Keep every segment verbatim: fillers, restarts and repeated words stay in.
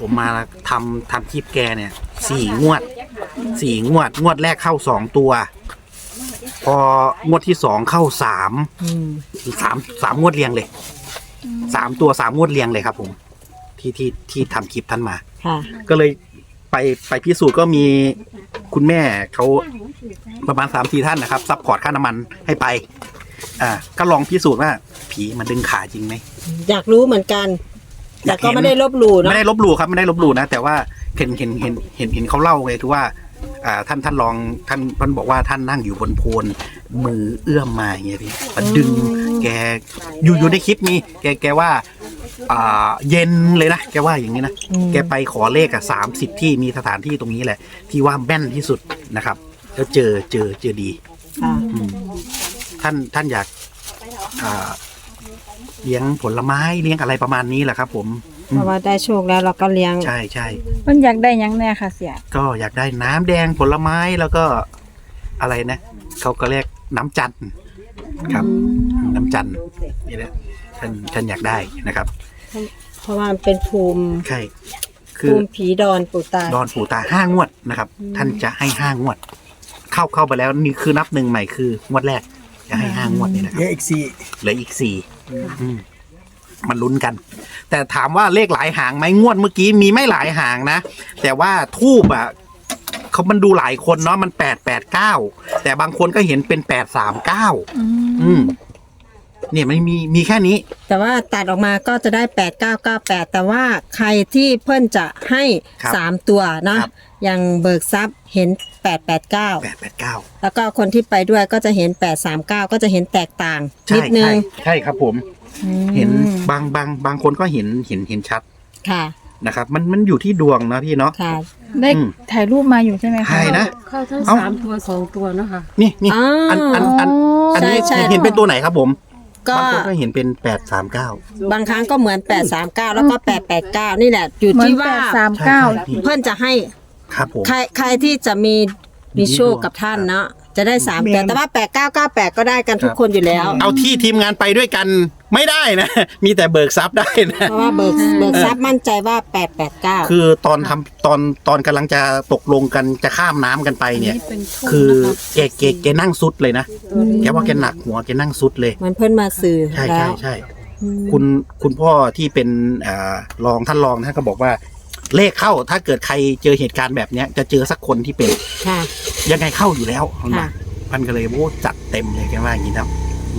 ผมมาทำทำคลิปแกเนี่ยสี่งวดสี่งวดงวดแรกเข้าสองตัว พองวดที่สองเข้าสามสามสามงวดเรียงเลยสามตัวสามงวดเรียงเลยครับ ผมที่ที่ที่ทำคลิปท่านมาก็เลยไปไปพิสูจน์ก็มีคุณแม่เขาประมาณสามสี่ท่านนะครับซัพพอร์ตค่าน้ำมันให้ไปอ่าก็ลองพิสูจน์ว่าผีมันดึงขาจริงไหมอยากรู้เหมือนกันแต่ก็ไม่ได้ลบหลู่เนาะไม่ได้ลบหลู่ครับไม่ได้ลบหลู่นะแต่ว่าเห็นเห็นเห็นเห็นเห็นเขาเล่าไงคือว่าอ่าท่านท่านลองท่านท่านบอกว่าท่านนั่งอยู่บนโพนมือเอื้อมมาอย่างเงี้ยพี่มันดึงแกอยู่อยู่ในคลิปนี้แกแกว่าอ่าเย็นเลยนะแกว่าอย่างนี้นะแกไปขอเลขอ่ะสามสิบที่มีสถานที่ตรงนี้แหละที่ว่าแม่นที่สุดนะครับแล้วเจอเจอเจอดีท่านท่านอยากอ่าเลี้ยงผลไม้เลี้ยงอะไรประมาณนี้แหละครับผมเพราะว่าได้โชคแล้วเราก็เลี้ยงใช่ใช่มันอยากได้ยังแน่ค่ะเสียก็อยากได้น้ำแดงผลไม้แล้วก็อะไรนะเขาก็เรียกน้ำจันทร์ครับน้ำจันทร์นี่แหละท่านท่านอยากได้นะครับเพราะว่าเป็นภูมิใช่คือภูมิผีดอนปู่ตาดอนปู่ตาห้างวดนะครับท่านจะให้ห้างวดเข้าเข้าไปแล้วนี่คือนับหนึ่งใหม่คืองวดแรกจะให้ห้างวดนี่แหละครับเหลืออีกสี่เหลืออีกสี่มันลุ้นกันแต่ถามว่าเลขหลายหางไหมงวดเมื่อกี้มีไม่หลายหางนะแต่ว่าทูบอ่ะเขามันดูหลายคนเนาะมันแปดแปดเก้าแต่บางคนก็เห็นเป็นแปดสามเก้าอืมเนี่ยมันมีมีแค่นี้แต่ว่าตัดออกมาก็จะได้แปดเก้าเก้าแปดแต่ว่าใครที่เพื่อนจะให้สามตัวนะอย่างเบิกทรัพย์เห็นแปดแปดเก้าแปดแปดเก้าแล้วก็คนที่ไปด้วยก็จะเห็นแปดสามเก้าก็จะเห็นแตกต่างนิดนึงใช่ครับผมเห็นบางบางบางคนก็เห็นเห็นเห็นชัดค่ะนะครับมันมันอยู่ที่ดวงนะพี่เนาะค่ะได้ถ่ายรูปมาอยู่ใช่ไหมคะใช่นะเข้าทั้งสามตัวสองตัวนะคะนี่นี่อันอันอันอันนี้เห็นเป็นตัวไหนครับผมบางคนก็เห็นเป็นแปดสามเก้าบางครั้งก็เหมือนแปดสามเก้าแล้วก็แปดแปดเก้านี่แหละอยู่ที่ว่าสามเก้าเพื่อนจะให้ครับผมใครใครที่จะมีมีโชคกับท่านเนาะจะได้สามแต่แต่ว่าแปดเก้าเก้าแปดก็ได้กันทุกคนอยู่แล้วเอาที่ทีมงานไปด้วยกันไม่ได้นะมีแต่เบิกทรัพย์ได้นะเพราะว่าเบิกเบิกทรัพย์มั่นใจว่าแปดแปดเก้าคือตอนทำตอนตอนกำลังจะตกลงกันจะข้ามน้ำกันไปเนี่ยคือแกแกแกนั่งซุดเลยนะแกว่าแกหนักหัวแกนั่งซุดเลยมันเพิ่นมาสื่อใช่ใช่ใช่คุณคุณพ่อที่เป็นอ่ารองท่านรองท่านก็บอกว่าเลขเข้าถ้าเกิดใครเจอเหตุการณ์แบบเนี้ยจะเจอสักคนที่เป็นยังไงเข้าอยู่แล้วมันก็เลยโอ้จัดเต็มเลยแกว่าอย่างนี้ครับ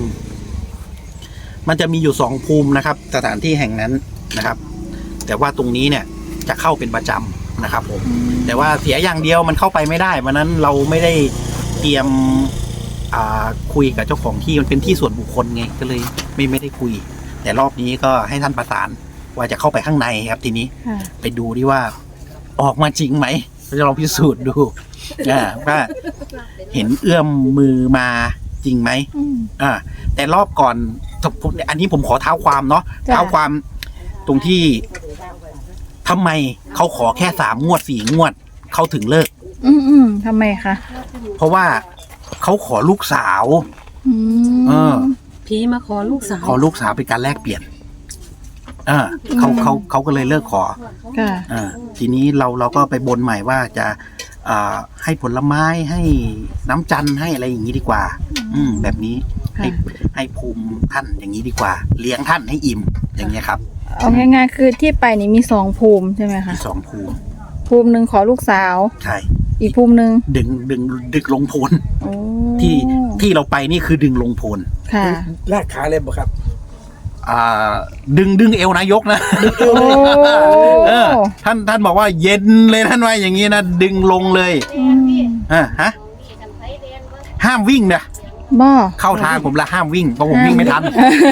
มันจะมีอยู่สองภูมินะครับสถานที่แห่งนั้นนะครับ แต่ว่าตรงนี้เนี่ยจะเข้าเป็นประจำนะครับผมแต่ว่าเสียอย่างเดียวมันเข้าไปไม่ได้วันนั้นเราไม่ได้เตรียมคุยกับเจ้าของที่มันเป็นที่ส่วนบุคคลไงก็เลยไม่ไม่ได้คุยแต่รอบนี้ก็ให้ท่านประสานว่าจะเข้าไปข้างในครับทีนี้ไปดูดิว่าออกมาจริงไหมเราจะลองพิสูจน์ดูว่าเห็นเอื้อมมือมาจริงไหมอ่าแต่รอบก่อนอันนี้ผมขอเท้าความเนาะเท้าความตรงที่ทำไมเขาขอแค่สามงวดสี่งวดเขาถึงเลิกอืมอืมทำไมคะเพราะว่าเขาขอลูกสาวเออพี่มาขอลูกสาวขอลูกสาวเป็นการแลกเปลี่ยนเออเขาเขาเขาก็เลยเลิกขออ่าทีนี้เราเราก็ไปบนใหม่ว่าจะอ่าให้ผลไม้ให้น้ำจันทร์ให้อะไรอย่างนี้ดีกว่าอืมแบบนี้ให้ให้ภูมิท่านอย่างนี้ดีกว่าเลี้ยงท่านให้อิ่มอย่างเงี้ยครับเอาง่ายๆคือที่ไปนี่มีสองภูมิใช่ไหมคะมีสองภูมิภูมิหนึ่งขอลูกสาวใช่อีกภูมิหนึ่งดึงดึงดึงลงโพนที่ที่เราไปนี่คือดึงลงโพนค่ะลากขาเลยบ่ครับอ่าดึงดึงเอวนายกนะเออท่านท่านบอกว่าเย็นเลยท่านว่าอย่างนี้นะดึงลงเลยอ่าฮะห้ามวิ่งนะบ่เข้าทางผมละห้ามวิ่งเพราะผมวิ่งไม่ทัน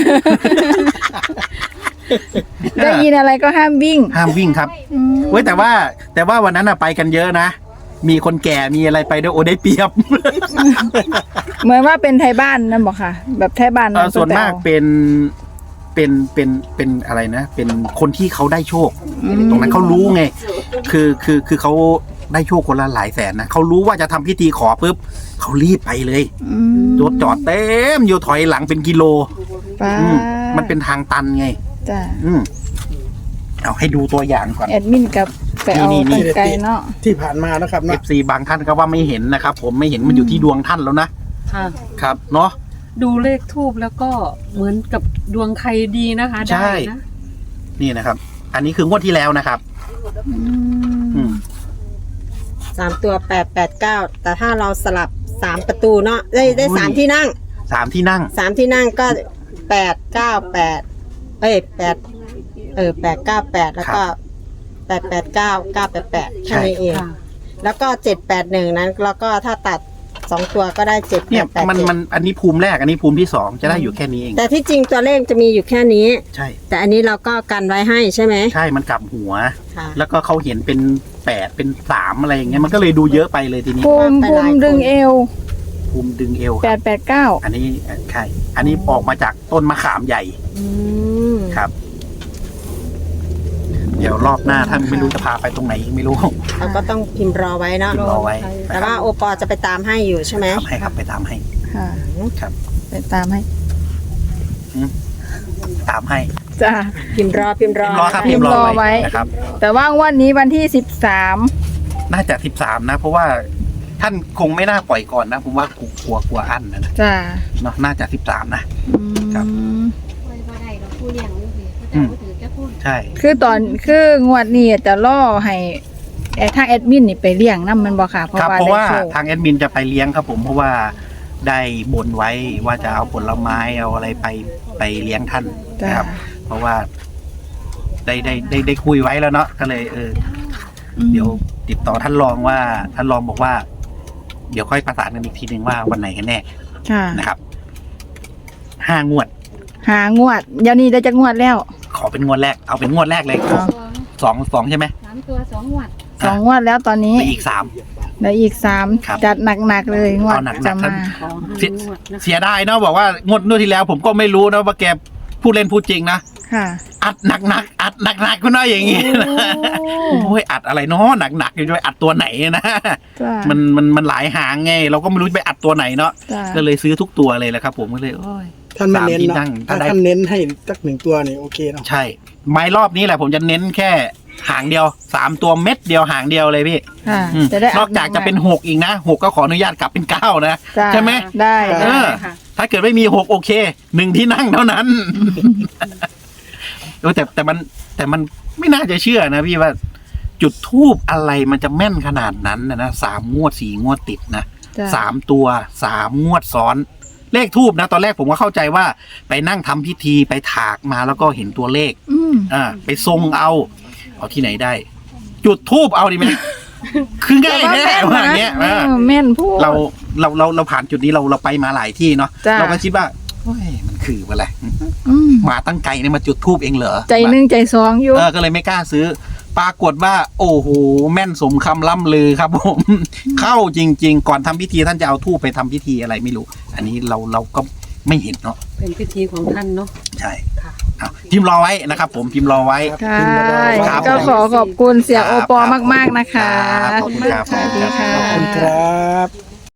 ได้ยินอะไรก็ห้ามวิ่งห้ามวิ่งครับเว้ยแต่ว่าแต่ว่าวันนั้นไปกันเยอะนะมีคนแก่มีอะไรไปด้วยโอ้ได้เปรียบเหมือนว่าเป็นไทยบ้านนั่นบอกค่ะแบบไทยบ้านส่วนมากเป็นเป็นเป็นเป็นอะไรนะเป็นคนที่เขาได้โชคตรงนั้นเขารู้ไงคือคือคือเขาได้โชคคนละหลายแสนนะเขารู้ว่าจะทำพิธีขอปุ๊บเขารีบไปเลยรถจอดเต็มอยู่ถอยหลังเป็นกิโลมันเป็นทางตันไงจ้ะเอาให้ดูตัวอย่างก่อนแอดมินกับไปเอานี่นี่ตั้งไกลเนาะที่ผ่านมานะครับเอเนาะฟซีบางท่านก็ว่าไม่เห็นนะครับ ผมไม่เห็นมันอยู่ที่ดวงท่านแล้วนะค่ะครับเนาะดูเลขทูบแล้วก็เหมือนกับดวงใครดีนะคะใช่ได้นะนี่นะครับ อันนี้คืองวดที่แล้วนะครับ อืมสามตัวแปดแปดเก้าแต่ถ้าเราสลับสามประตูเนาะได้ได้สามที่นั่งสามที่นั่งสามที่นั่งก็แปดเก้าแปดเอ้ยแปดเออแปดเก้าแปดแล้วก็แปดแปดเก้าเก้าแปดแปดแค่นี้เองค่ะแล้วก็เจ็ดแปดหนึ่งนั้น แล้วก็ถ้าตัดสองตัวก็ได้เจ็ดแปเนี่ยดแปดมันเจ็ดมันอันนี้ภูมิแรกอันนี้ภูมิที่สองจะได้อยู่แค่นี้เองแต่ที่จริงตัวเลขจะมีอยู่แค่นี้ใช่แต่อันนี้เราก็กันไว้ให้ใช่ไหมใช่มันกลับหัวค่ะแล้วก็เขาเห็นเป็นแปดเป็นสามอะไรอย่างเงี้ยมันก็เลยดูเยอะไปเลยทีนี้ภูมิไปภูหลายมิคนดึงเอวภูมิดึงเอวคแปรัดบแปดเก้าอันนี้ใช่อันนี้ออกมาจากต้นมะขามใหญ่อืมครับ เดี๋ยวรอบหน้าท่านไม่รู้จะพาไปตรงไหนอีกไม่รู้เราก็ต้องพิมพ์รอไว้เนาะรอไว้แต่ว่าโอปอจะไปตามให้อยู่ใช่ไหมทำให้ครับไปตามให้ค่ะครับไปตามให้ตามให้จ้าพิมพ์รอพิมพ์รอพิมพ์รอครับพิพิมมพ์พ์รรออไว้ไว้นะครับแต่ว่างวันนี้วันที่สิบสามน่าจะสิบสามนะ เพราะว่าท่านคงไม่น่าปล่อยก่อนนะผมว่ากลัวกลัวกลัวอั้นนะนะจ้าเนาะน่าจะสิบสามนะอืมครับ อืมใช่คือตอนคืองวดนี้จะล่อให้ไอ้ทางแอดมินนี่ไปเลี้ยงน้ำมันบ่ค่ะ เพราะครับว่าเพราะได้ว่าโชคทางแอดมินจะไปเลี้ยงครับผมเพราะว่าได้บนไว้ว่าจะเอาผลไม้เอาอะไรไปไปเลี้ยงท่านจ้านะครับ เพราะว่าได้ได้ได้ได้คุยไว้แล้วเนาะก็เลยเออ เดี๋ยวติดต่อท่านรองว่าท่านรองบอกว่า เดี๋ยวค่อยประสานกันอีกทีหนึ่งว่าวันไหนกันแน่ค่ะนะครับห้างวดหางวดเดี๋ยวนี้ได้จะงวดแล้วขอเป็นงวดแรกเอาเป็นงวดแรกเลยเอาสองสองใช่ไหมสามตัวสองหวัดสองงวดแล้วตอนนี้ไปอีกสามแล้วอีกสามครับจัดหนักๆเลยงวดเอาหนักๆจะท่ามานขอเสียให้งวดนะคะเสียดายเนาะบอกว่างวดนู่นที่แล้ว ผมก็ไม่รู้นะว่าแกพูดเล่นพูดจริงนะค่ะอัดหนักๆอัดหนักๆก็น่าอย่างงี้นะโอ้ยอัดอะไรเนาะหนักๆอยู่ด้วยอัดตัวไหนนะจ้ามันมันมันหลายหางไง เราก็ไม่รู้จะไปอัดตัวไหนเนาะจ้าก็เลยซื้อทุกตัวเลยแหละครับ ผมก็เลยโอ้ยท่านไม่เน้นสามที่เนาะนั่งถ้าถ้าได้ท่านเน้นให้สักหนึ่งตัวนี่โอเคเนาะใช่ ไม้รอบนี้แหละผมจะเน้นแค่หางเดียวสามตัวเม็ดเดียวหางเดียวเลยพี่ค่ะอืมจะได้นอกจากจะเป็นหกอีกนะหกก็ขออนุญาตกลับเป็นเก้านะจ้าใช่ไหมได้เอได้อค่ะถ้าเกิดไม่มีหกโอเคหนึ่งที่นั่งเท่านั้นเออแต่แต่มันแต่มันไม่น่าจะเชื่อนะพี่ว่า จุดทูบอะไรมันจะแม่นขนาดนั้นนะนะสามงวดสี่งวดติดนะจ้าสามตัวสามงวดซ้อน เลขทูบนะ ตอนแรกผมก็เข้าใจว่าไปนั่งทำพิธีไปถากมาแล้วก็เห็นตัวเลขอืมอ่าไปทรงเอา เอาที่ไหนได้ จุดทูบเอาดีไหม คือง่ายแน่ว่าอย่างเงี้ยเอเอออแม่นพูดเราเราเราเราผ่านจุดนี้เราเราไปมาหลายที่เนาะจ้ะเราก็คิดว่าโอ้ยมันคืออะไรอืมมาตั้งไกลเนี่ยมาจุดทูบเองเหรอใจหนึ่งใจสองอยู่เออก็เลยไม่กล้าซื้อ ปรากฏว่า โอ้โหแม่นสมคำล่ำลือครับ ผม เข้าจริง ๆ ก่อนทำพิธีท่านจะเอาทูบไปทำพิธีอะไรไม่รู้ อันนี้เราเราก็ไม่เห็นเนาะเป็นพิธีของท่านเนาะใช่ค่ะเอาพิมพ์รอไว้นะครับ ผมพิมพ์รอไว้ค่ะครับก็ขอขอบคุณเสียโอปอมากๆนะคะครับขอบคุณครับสวัสดีค่ะขอบคุณครับ